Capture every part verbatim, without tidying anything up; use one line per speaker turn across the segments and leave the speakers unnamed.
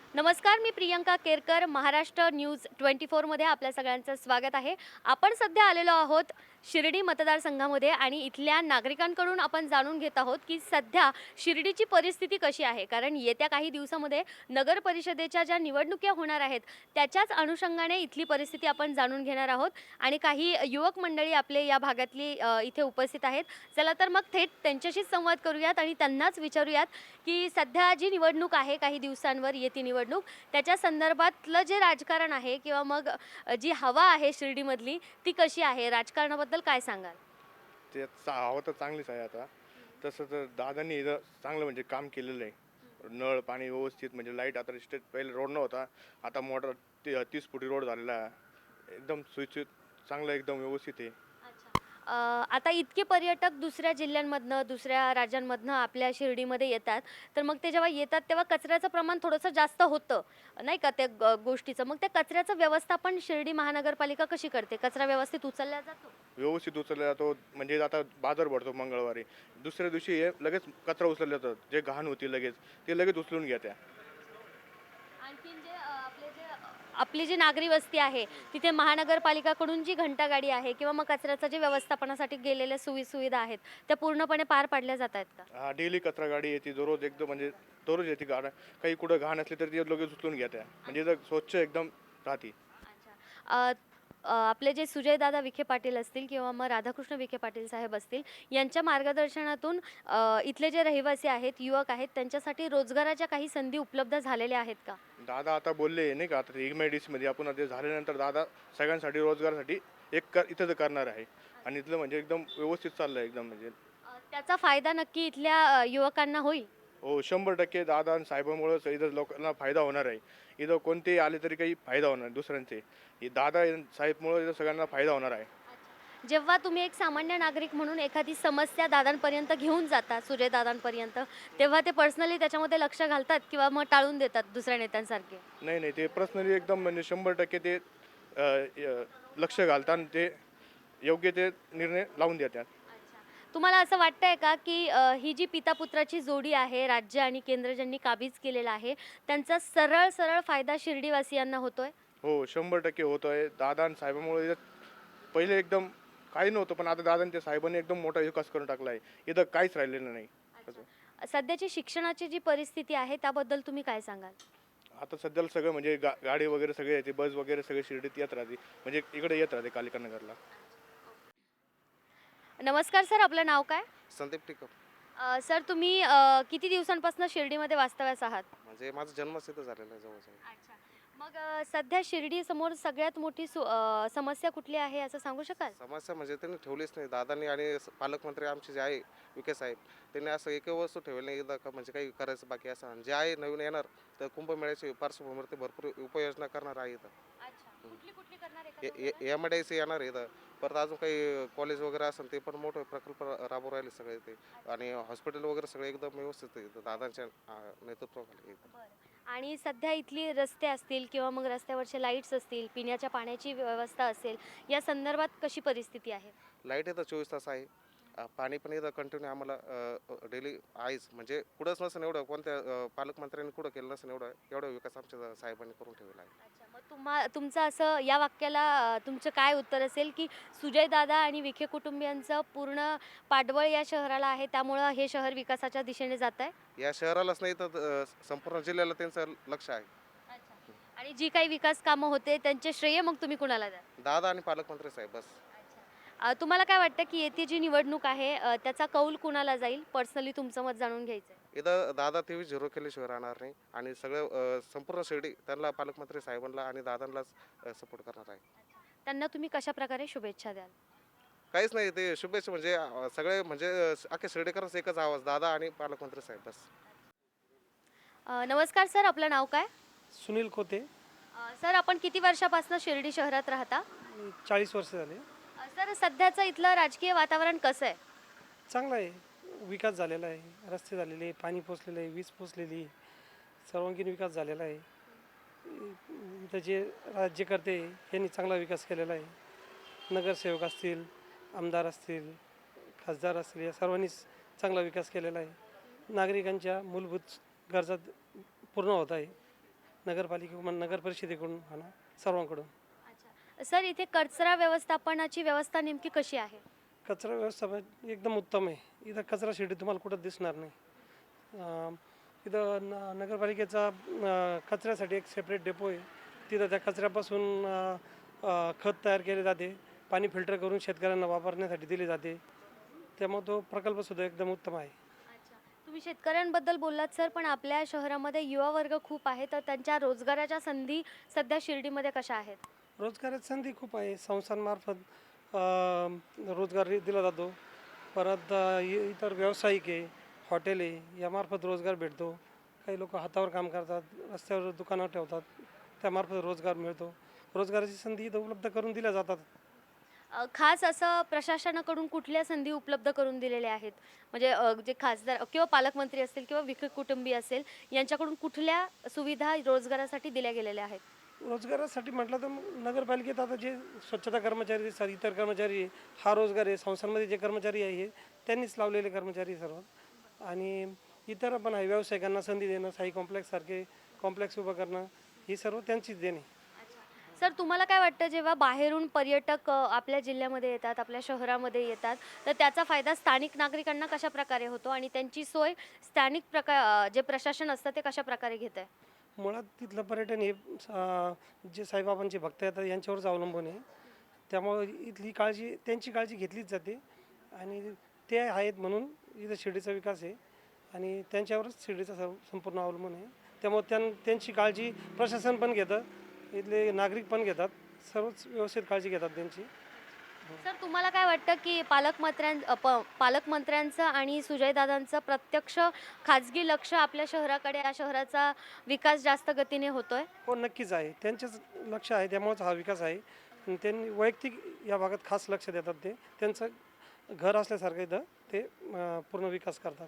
नमस्कार, मी Priyanka Kerkar. Maharashtra news twenty फोरमध्ये आपल्या सगळ्यांचं स्वागत आहे. आपण सध्या आलेलो आहोत शिर्डी मतदारसंघामध्ये आणि इथल्या नागरिकांकडून आपण जाणून घेत आहोत की सध्या शिर्डीची परिस्थिती कशी आहे. कारण येत्या काही दिवसामध्ये नगर परिषदेच्या ज्या निवडणुका होणार आहेत त्याच्याच अनुषंगाने इथली परिस्थिती आपण जाणून घेणार आहोत आणि काही युवक मंडळी आपले या भागातली अ, इथे उपस्थित आहेत. चला तर मग थेट त्यांच्याशीच संवाद करूयात आणि त्यांनाच विचारूयात की सध्या जी निवडणूक आहे, काही दिवसांवर येती निवडणूक, त्याच्या संदर्भातलं जे राजकारण आहे किंवा मग अ, जी हवा आहे शिर्डीमधली ती कशी आहे? राजकारणाबद्दल काय सांगाल?
ते चा हवं तर चांगलीच आहे आता. तसं तर दादांनी इथं चांगलं म्हणजे काम केलेलं आहे. नळ पाणी व्यवस्थित म्हणजे लाईट आता स्टेट पहिले रोड नव्हता. आता मोटर ते तीस फुटी रोड झालेला आहे. एकदम सुरक्षित चांगलं एकदम व्यवस्थित आहे.
अ, आता इतके पर्यटक दुसऱ्या जिल्ह्यांमधनं, दुसऱ्या राज्यांमधनं आपल्या शिर्डीमध्ये येतात, तर मग ते जेव्हा येतात तेव्हा कचऱ्याचं प्रमाण थोडंसं जास्त होतं, नाही का त्या ग गोष्टीचं. मग त्या कचऱ्याचं व्यवस्थापन शिर्डी महानगरपालिका कशी करते? कचरा व्यवस्थित उचलला जातो?
व्यवस्थित उचलला जातो म्हणजे आता बाजार भरतो मंगळवारी. दुसऱ्या दिवशी हे लगेच कचरा उचलला जातो. जे घाण होती लगेच ते लगेच उचलून घ्या.
आणखीन जे अ, आपले जे अ, आपली जी नागरी वस्ती आहे, तिथे महानगरपालिकाकडून जी घंटागाडी आहे किंवा मग कचऱ्याचं जे व्यवस्थापनासाठी गेलेल्या सोयी-सुविधा आहेत, त्या पूर्णपणे पार पाडल्या जात आहेत का?
हा डेली कचरा गाडी येते दररोज एकदम म्हणजे दररोज येते गाड्या. काही कुठं घाण असली तर ती लगेच उचलून घ्या. म्हणजे इथं स्वच्छ एकदम राहते.
अच्छा. अ, अ, आपले जे सुजयदादा विखे पाटील असतील किंवा मग राधाकृष्ण विखे पाटील साहेब असतील, यांच्या मार्गदर्शनातून अ, इथले जे रहिवासी आहेत, युवक आहेत, त्यांच्यासाठी रोजगाराच्या काही संधी उपलब्ध झालेल्या आहेत का?
दादा आता बोलले नाही का आता मध्ये आपण आता झाल्यानंतर दादा सगळ्यांसाठी रोजगारासाठी एक कर इथं तर करणार आहे. आणि इथलं म्हणजे एकदम व्यवस्थित चाललंय एकदम म्हणजे.
अ, त्याचा फायदा नक्की इथल्या अ, युवकांना होईल?
हो शंभर टक्के दादा आणि साहेबांमुळेच इथं लोकांना फायदा होणार आहे. इथं कोणतेही आले तरी काही फायदा होणार नाही दुसऱ्यांचे. हे दादा आणि साहेबमुळे इथं सगळ्यांना फायदा होणार आहे.
अच्छा. जेव्हा तुम्ही एक सामान्य नागरिक म्हणून एखादी समस्या दादांपर्यंत घेऊन जाता, सुजयदादांपर्यंत, तेव्हा ते पर्सनली त्याच्यामध्ये लक्ष घालतात किंवा मग टाळून देतात दुसऱ्या नेत्यांसारखे?
नाही नाही ते पर्सनली एकदम म्हणजे शंभर टक्के ते अ, य- लक्ष घालतात आणि ते योग्य ते निर्णय लावून देतात.
अच्छा. तुम्हाला असं वाटतंय का, की अ, ही जी पिता-पुत्राची जोडी आहे, राज्य आणि केंद्र ज्यांनी काबीज केलेला आहे, त्यांचा सरळ-सरळ फायदा शिर्डीवासियांना होतोय?
हो शंभर टक्के होतोय. दादा आणि साहेबांमुळे इथं पहिले एकदम काही नव्हतं, पण आता दादांच्या साहेबांनी एकदम मोठा विकास करून टाकला आहे. इथं काहीच राहिलेलं नाही. असं.
अच्छा. सध्याची शिक्षणाची जी परिस्थिती आहे, त्याबद्दल तुम्ही काय सांगाल?
आता सध्याला सगळं म्हणजे गा गाडी वगैरे सगळे येते, बस वगैरे सगळे शिर्डीत येत राहते. म्हणजे इकडे येत राहते कालिका नगरला.
नमस्कार सर, आपलं नाव काय?
संदीप टिकम.
अ, सर तुम्ही अ, किती दिवसांपासून शिर्डीमध्ये वास्तव्यास आहात?
म्हणजे माझा जन्मच इथं झालेला आहे जवळजवळ.
अच्छा. मग अ, सध्या शिर्डीसमोर सगळ्यात मोठी सु अ, समस्या कुठली आहे असं सांगू शकाल?
समस्या म्हणजे त्यांनी ठेवलीच नाही. दादांनी आणि स- पालकमंत्री आमचे जे आहे विखे साहेब, त्यांनी असं एकही वस्तू ठेवली नाही इथं का म्हणजे काही करायचं बाकी असं. आणि जे आहे नवीन येणार तर कुंभमेळ्याची पार्श्वभूमीवर ते भरपूर उपाययोजना करणार आहे इथं.
अच्छा. कुठली कुठली करणार आहे का दोघं?
एम आय डी सी येणार आहे इथं. परत अजून काही कॉलेज वगैरे असेल ते पण मोठे प्रकल्प राबवून राहिले सगळे ते. आणि हॉस्पिटल वगैरे सगळे एकदम व्यवस्थित आहे इथं दादांच्या अं, नेतृत्वाखाली इथं.
बरं. आणि सध्या इथली रस्ते असतील किंवा मग रस्त्यावरचे लाईट्स असतील, पिण्याच्या पाण्याची व्यवस्था असेल, या संदर्भात कशी परिस्थिती आहे?
लाईट इथं चोवीस तास आहे. अ, पाणी पण इथं कंटिन्यू आम्हाला डेली आहेच. म्हणजे कुठंच नसेल एवढं कोणत्या अ, पालकमंत्र्यांनी कुठं केलं नसेल एवढं एवढा विकास आमच्या साहेबांनी करून ठेवला आहे.
अच्छा. मग तुम्हा तुमचं असं या वाक्याला अ, तुमचं काय उत्तर असेल, की सुजयदादा आणि विखे कुटुंबियांचं पूर्ण पाठबळ या शहराला आहे, त्यामुळं हे शहर विकासाच्या दिशेने जातंय?
या शहरालाच नाही तर अ, संपूर्ण जिल्ह्याला त्यांचं लक्ष आहे.
अच्छा. आणि जी काही विकास कामं होते त्यांचे श्रेय मग तुम्ही कुणाला द्याल?
दादा आणि पालकमंत्री साहेब बस.
अच्छा. अ, तुम्हाला काय वाटतं, की येथे जी निवडणूक आहे अ, त्याचा कौल कुणाला जाईल? पर्सनली तुमचं मत जाणून घ्यायचंय.
इथं दादा तेवीस झिरो केल्याशिवाय राहणार नाही. आणि सगळं अ, संपूर्ण शिर्डी त्यांना पालकमंत्री साहेबांना आणि दादांनाच सपोर्ट करणार आहे.
त्यांना तुम्ही कशाप्रकारे शुभेच्छा द्याल?
काहीच नाही ते शुभेच्छा म्हणजे अ, सगळे म्हणजे अ, अख्खे शिर्डीकरच एकच आवाज दादा आणि पालकमंत्री साहेब बस.
अ, नमस्कार सर, आपलं नाव काय?
सुनील खोते.
अ, सर आपण किती वर्षापासून शिर्डी शहरात राहता?
चाळीस वर्ष झाले.
अ, सर सध्याचं इथलं राजकीय वातावरण कसं आहे?
चांगला आहे. विकास झालेला आहे. रस्ते झालेले आहे, पाणी पोचलेलं आहे, वीज पोचलेली आहे. सर्वांगीण विकास झालेला आहे. इथं जे राज्यकर्ते आहे, यांनी चांगला विकास केलेला आहे. नगरसेवक असतील, आमदार असतील, खासदार असतील, या सर्वांनीच चांगला विकास केलेला आहे. नागरिकांच्या मूलभूत गरजा पूर्ण होत आहे. नगरपालिकेकडून नगर परिषदेकडून म्हणा सर्वांकडून.
अच्छा सर, इथे कचरा व्यवस्थापनाची व्यवस्था नेमकी कशी आहे?
कचरा व्यवस्थापन एकदम उत्तम आहे. इथं कचरा शेडी तुम्हाला कुठं दिसणार नाही. अं, इथं न नगरपालिकेचा अं, कचऱ्यासाठी एक सेपरेट डेपो आहे. तिथं त्या कचऱ्यापासून अं, अं, खत तयार केले जाते, पाणी फिल्टर करून शेतकऱ्यांना वापरण्यासाठी दिले जाते. त्यामुळे तो प्रकल्पसुद्धा एकदम उत्तम आहे.
अच्छा, तुम्ही शेतकऱ्यांबद्दल बोललात सर, पण आपल्या शहरामध्ये युवा वर्ग खूप आहे, तर त्यांच्या रोजगाराच्या संधी सध्या शिर्डीमध्ये कशा आहेत?
रोजगाराची संधी खूप आहे. संस्थांमार्फत अं, रोजगार दिला जातो. परत अं, इ- इतर व्यावसायिक आहे, हॉटेल आहे, यामार्फत रोजगार भेटतो. काही लोक हातावर काम करतात, रस्त्यावर दुकानं ठेवतात, त्यामार्फत रोजगार मिळतो. रोजगाराची संधी इथं उपलब्ध करून दिल्या जातात.
अ, खास असं प्रशासनाकडून कुठल्या संधी उपलब्ध करून दिलेल्या आहेत? म्हणजे अ, जे खासदार किंवा पालकमंत्री असतील किंवा विखे कुटुंबी असेल, यांच्याकडून कुठल्या सुविधा रोजगारासाठी दिल्या गेलेल्या आहेत?
रोजगारासाठी म्हटलं तर मग नगरपालिकेत आता जे स्वच्छता कर्मचारी दिसतात, इतर कर्मचारी आहे, हा रोजगार आहे. संस्थांमध्ये जे कर्मचारी आहे हे त्यांनीच लावलेले कर्मचारी सर्व. आणि इतर पण आहे, व्यावसायिकांना संधी देणं, साई कॉम्प्लेक्ससारखे कॉम्प्लेक्स उभं करणं, ही सर्व त्यांचीच देणे.
सर, तुम्हाला काय वाटतं जेव्हा बाहेरून पर्यटक अ, आपल्या जिल्ह्यामध्ये येतात, आपल्या शहरामध्ये येतात, तर त्याचा फायदा स्थानिक नागरिकांना कशा प्रकारे होतो आणि त्यांची सोय स्थानिक प्रकार अ, जे प्रशासन असतं ते कशा प्रकारे घेत आहे?
मुळात तिथलं पर्यटन हे अं, जे साईबाबांचे भक्त येतात यांच्यावरच अवलंबून आहे. त्यामुळे इथली काळजी त्यांची काळजी घेतलीच जाते आणि ते आहेत म्हणून इथं शिर्डीचा विकास आहे आणि त्यांच्यावरच शिर्डीचा सर्व संपूर्ण अवलंबून आहे. त्यामुळे त्यां त्यांची काळजी प्रशासन पण घेतं, इथले नागरिक पण घेतात, सर्वच व्यवस्थित काळजी घेतात त्यांची.
सर, तुम्हाला काय वाटतं की पालकमंत्र्यां अ, प पालकमंत्र्यांचं आणि सुजयदादांचं प्रत्यक्ष खाजगी लक्ष आपल्या शहराकडे, या शहराचा विकास जास्त गतीने होतोय?
हो, नक्कीच आहे. त्यांचंच लक्ष आहे, त्यामुळेच हा विकास आहे. आणि त्यांनी वैयक्तिक या भागात खास लक्ष देतात. ते त्यांचं घर असल्यासारखं इथं ते अं, पूर्ण विकास करतात.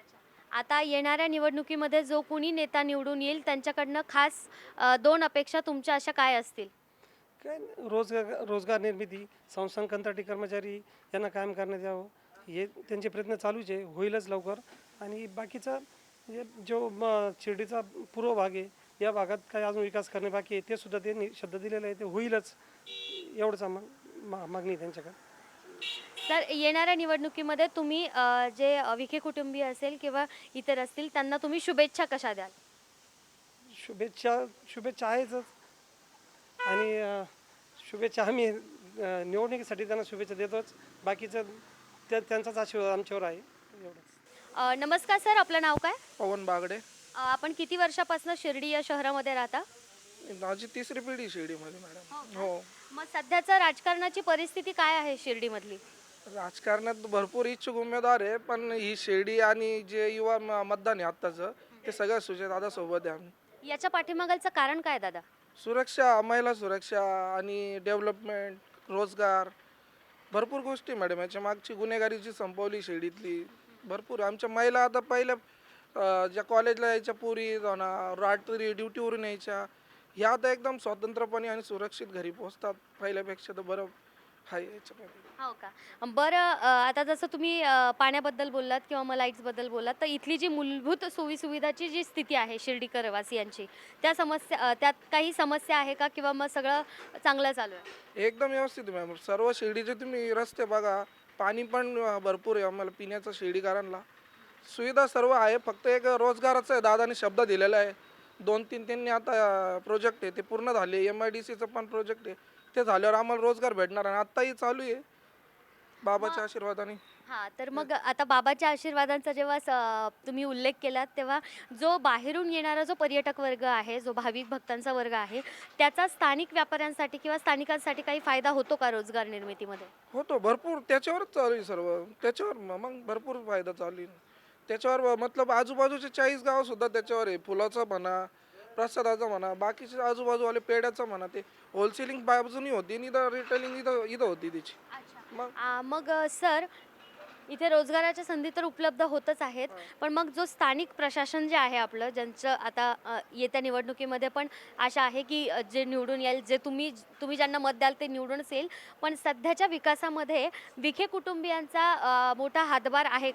आता येणाऱ्या निवडणुकीमध्ये जो कोणी नेता निवडून येईल त्यांच्याकडनं खास अ, दोन अपेक्षा तुमच्या अशा काय असतील?
काय रोजगार रोजगार निर्मिती, संस्थान कंत्राटी कर्मचारी यांना कायम करण्यात यावं, हे त्यांचे प्रयत्न चालूच आहे, होईलच लवकर. आणि बाकीचा म्हणजे जो म शिर्डीचा पूर्व भाग आहे, या भागात काही अजून विकास करणे बाकी आहे, ते सुद्धा त्यांनी शब्द दिलेला आहे, ते होईलच, एवढंच आम्हा मा मागणी आहे त्यांच्याकडे.
तर येणाऱ्या निवडणुकीमध्ये तुम्ही अ, जे अ, विखे कुटुंबीय असेल किंवा इतर असतील त्यांना तुम्ही शुभेच्छा कशा द्याल?
शुभेच्छा शुभेच्छा आहेतच. आणि अ, शुभेच्छा आम्ही अ, निवडणुकीसाठी त्यांना शुभेच्छा देतोच. बाकीचं त्या त्यांचाच आशीर्वाद आमच्यावर आहे, एवढंच.
अ, नमस्कार सर, आपलं नाव काय?
पवन बागडे.
अ, आपण किती वर्षापासून शिर्डी या शहरामध्ये राहता?
माझी तिसरी पिढी शिर्डीमध्ये मॅडम. हो,
मग सध्याचं राजकारणाची परिस्थिती काय आहे शिर्डीमधली?
राजकारणात भरपूर इच्छुक उमेदवार आहे, पण ही शिर्डी आणि जे युवा म- मतदान आहे आत्ताचं, ते सगळं सुजयदादा सोबत आहे आम्ही.
याच्या पाठीमागचं कारण काय दादा?
सुरक्षा, महिला सुरक्षा आणि डेव्हलपमेंट, रोजगार, भरपूर गोष्टी मॅडम. याच्या मागची गुन्हेगारीची संपवली शिर्डीतली भरपूर. आमच्या महिला आता पहिल्या अं, ज्या कॉलेजला यायच्या पुरी जाणार, रात्री ड्युटीवरून यायच्या, ह्या आता एकदम स्वतंत्रपणे आणि सुरक्षित घरी पोहोचतात पहिल्यापेक्षा. तर बरं आहे याच्यामध्ये.
हो का? बरं, अ, आता जसं तुम्ही अ, पाण्याबद्दल बोललात किंवा मग लाईट्सबद्दल बोललात, तर इथली जी मूलभूत सोयीसुविधाची जी स्थिती आहे शिर्डीकर वासियांची, त्या समस्या अ, त्यात काही समस्या आहे का किंवा मग सगळं चांगलं चालू आहे?
एकदम व्यवस्थित मॅम. सर्व शिर्डीचे तुम्ही रस्ते बघा, पाणी पण अं, भरपूर आहे आम्हाला पिण्याचं शिर्डीकरांना. सुविधा सर्व आहे, फक्त एक रोजगाराचा आहे, दादाने शब्द दिलेला आहे. दोन तीन त्यांनी आता प्रोजेक्ट आहे ते पूर्ण झाले. एम आय डी सीचं पण प्रोजेक्ट आहे, ते झाल्यावर आम्हाला रोजगार भेटणार आणि आत्ताही चालू आहे बाबाच्या आशीर्वादाने.
हां, तर मग आता बाबाच्या आशीर्वादांचा जेव्हा स तुम्ही उल्लेख केलात, तेव्हा जो बाहेरून येणारा जो पर्यटक वर्ग आहे, जो भाविक भक्तांचा वर्ग आहे, त्याचा स्थानिक व्यापाऱ्यांसाठी किंवा स्थानिकांसाठी काही फायदा होतो का रोजगार निर्मितीमध्ये?
होतो भरपूर, त्याच्यावरच चालू आहे सर्व. त्याच्यावर म- मग भरपूर फायदा चालू आहे त्याच्यावर. मतलब आजूबाजूचे चाळीस गावं सुद्धा त्याच्यावर आहे. फुलाचा म्हणा, प्रसादाचा म्हणा, बाकीचे आजूबाजूवाले पेड्याचं म्हणा, ते होलसेलिंग बाजूनी होती आणि इथं रिटेलिंग इथं इथं होती त्याची. मग
आ, मग अ, सर, इथे रोजगाराच्या संधी तर उपलब्ध होतच आहेत, पण मग जो स्थानिक प्रशासन जे आहे आपलं, ज्यांचं आता अ, येत्या निवडणुकीमध्ये पण आशा आहे की अ, जे निवडून येईल, जे तुम्ही तुम्ही ज्यांना मत द्याल ते निवडूनच येईल, पण सध्याच्या विकासामध्ये विखे कुटुंबियांचा अ, मोठा हातभार आहे का?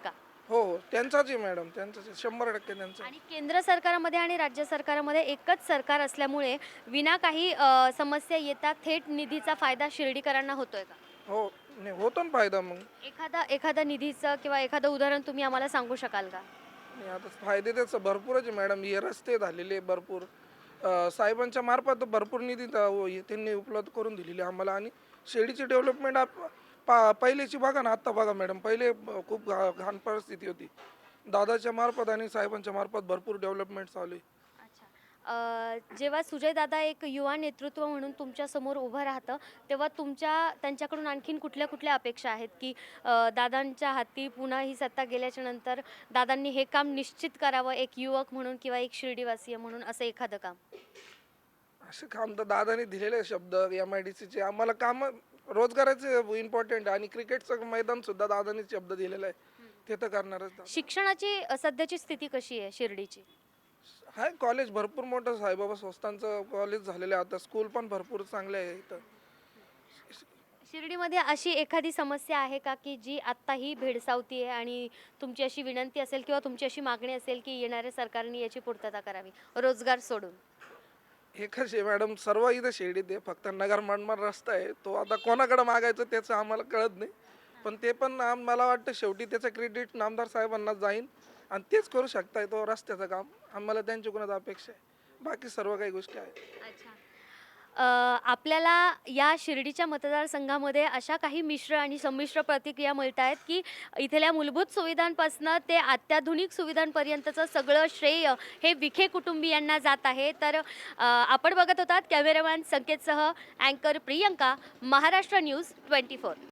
हो हो त्यांचाच आहे मॅडम, त्यांचाच आहे, शंभर टक्के त्यांचा.
आणि केंद्र सरकारमध्ये आणि राज्य सरकारमध्ये एकच सरकार असल्यामुळे विना काही अ, समस्या येता थेट निधीचा फायदा शिर्डीकरांना होतोय का?
हो नाही होतो ना फायदा मग.
एखादा एखादा निधीचं किंवा एखादं उदाहरण तुम्ही आम्हाला सांगू शकाल का?
आणि आता फायदे त्याचं भरपूरच आहे मॅडम. हे रस्ते झालेले आहे भरपूर, अ, साहेबांच्या मार्फत भरपूर निधी त- व- हे त्यांनी उपलब्ध करून दिलेली आम्हाला. आणि शिर्डीची डेव्हलपमेंट आप पा पहिलेची बघा ना, आत्ता बघा मॅडम. पहिले ब- खूप घा घाण परिस्थिती होती. दादाच्या मार्फत आणि साहेबांच्या मार्फत भरपूर डेव्हलपमेंट चालू आहे.
अच्छा. अ, जेव्हा सुजय दादा एक युवा नेतृत्व म्हणून तुमच्या समोर उभं राहतं तेव्हा तुमच्या त्यांच्याकडून आणखीन कुठल्या कुठल्या अपेक्षा आहेत की अ, दादांच्या हाती पुन्हा ही सत्ता गेल्याच्या नंतर दादांनी हे काम निश्चित करावं एक युवक म्हणून किंवा एक शिर्डीवासीय म्हणून असं एखादं काम?
असे काम तर दादाने दिलेले शब्द एम आय डी सीचे आम्हाला काम रोजगाराचे इम्पॉर्टंट आहे. आणि क्रिकेटचं मैदान सुद्धा दादाने शब्द दिलेला आहे, ते तर करणारच दादा.
शिक्षणाची अ, सध्याची स्थिती कशी आहे शिर्डीची?
हाय कॉलेज भरपूर मोठं साईबाबा संस्थांचं कॉलेज झालेलं आहे आता. स्कूल पण भरपूर चांगले आहे इथं.
शिर्डीमध्ये अशी एखादी समस्या आहे का की जी आत्ताही भेडसावती आहे आणि तुमची अशी विनंती असेल किंवा तुमची अशी मागणी असेल की येणाऱ्या सरकारने याची पूर्तता करावी रोजगार सोडून?
एकच आहे मॅडम, सर्व इथं शिर्डीत आहे. फक्त नगर मनमाड रस्ता आहे, तो आता कोणाकडे मागायचं त्याचं आम्हाला कळत नाही. पण ते पण आम- मला वाटतं शेवटी त्याचं क्रेडिट नामदार साहेबांना जाईन आणि तेच करू शकताय तो रस्त्याचं काम. आम्हाला त्यांच्याकडूनच अपेक्षा आहे, बाकी सर्व काही गोष्टी आहेत.
अच्छा. अ, आपल्याला या शिर्डीच्या मतदारसंघामध्ये अशा काही मिश्र आणि संमिश्र प्रतिक्रिया मिळत आहेत की इथल्या मूलभूत सुविधांपासून ते अत्याधुनिक सुविधांपर्यंतचं सगळं श्रेय हे विखे कुटुंबियांना जात आहे. तर अ, आपण बघत होतात कॅमेरामॅन संकेतसह अँकर Priyanka, Maharashtra news twenty four.